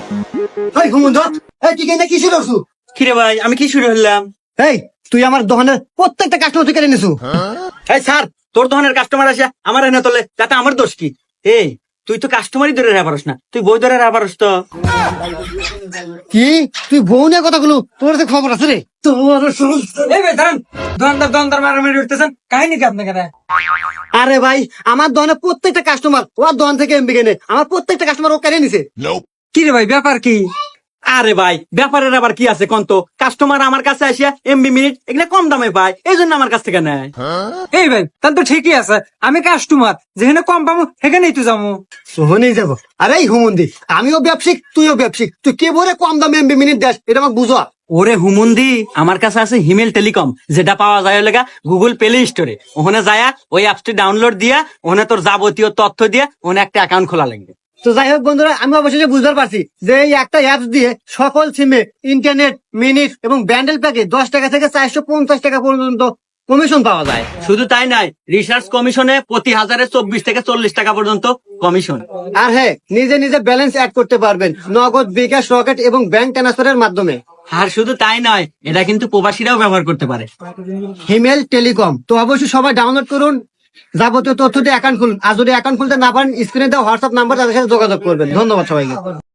এই ঘুমন্ত, এই তুই কেন কি শুরু করছু? কিরে ভাই, আমি কি শুরু হলাম? এই তুই আমার দোকানের প্রত্যেকটা কাস্টমার তুই কেড়ে নিছু। এই স্যার, তোর ধরনের কাস্টমার আসে আমার এনে তোলে, তাতে আমার দোষ কি? এই তুই তো কাস্টমারই ধরে রাখা পারস না, তুই বই ধরে রাখা পারস তো? কি তুই বউ নিয়ে কথাগুলো, তোর তো খবর আছে রে। তোর এই ভাই দাঁড়ান, দোকানদার মারামারি উঠতেছেন, কাহিনী কি আপনাকে? আরে ভাই, আমার দোকানের প্রত্যেকটা কাস্টমার ওর দোকান থেকে এমবি কেনে, আমার প্রত্যেকটা কাস্টমার ও কেড়ে নিছে। কি রে ভাই, ব্যাপার কি? আরে ভাই, ব্যাপারের আবার কি আছে কন্ত? কাস্টমার আমার কাছে আসিয়া এমবি মিনিট এগুলা কম দামে পায়, এই জন্য আমার কাছ থেকে নেয়। এই ভাই তাহলে তো ঠিকই আছে, আমি কাস্টমার, যেখানে কম পাবো সেখানেই তো যাবো। সোহনেই যাবো। আরে এই হুমন্দি, আমিও ব্যবসায়িক তুইও ব্যবসায়িক, তুই কে বলে কম দামে এমবি মিনিট দেশ, এটা আমাকে বুঝো। ওরে হুমুন্দি, আমার কাছে আছে হিমেল টেলিকম, যেটা পাওয়া যায় হলে গুগল প্লে স্টোরে। ওখানে যায়া ওই অ্যাপসটি ডাউনলোড দিয়া ওখানে তোর যাবতীয় তথ্য দিয়ে ওখানে একটা অ্যাকাউন্ট খোলা লাগবে। তো যাই হোক বন্ধুরা, আমি অবশেষে বুঝতে পারছি যে এই একটা অ্যাপস দিয়ে সকল সিমে ইন্টারনেট, মিনিট এবং ব্যান্ডেল প্যাকে 10 টাকা থেকে 450 টাকা পর্যন্ত কমিশন পাওয়া যায়। শুধু তাই নয়, রিসার্চ কমিশনে প্রতি হাজারে 24 থেকে 40 টাকা পর্যন্ত কমিশন। আর হ্যাঁ, নিজে নিজে ব্যালেন্স অ্যাড করতে পারবেন নগদ, বিকাশ, রকেট এবং ব্যাংক ট্রান্সফারের মাধ্যমে। আর শুধু তাই নয়, এটা কিন্তু প্রবাসীরাও ব্যবহার করতে পারে। হিমেল টেলিকম তো অবশ্যই সবাই ডাউনলোড করুন, যাবতীয় তথ্য দিয়ে অ্যাকাউন্ট খুলুন। আর যদি অ্যাকাউন্ট খুলতে না পারেন, স্ক্রিনে দেওয়া হোয়াটসঅ্যাপ নাম্বার তাদের সাথে যোগাযোগ করবেন। ধন্যবাদ সবাইকে।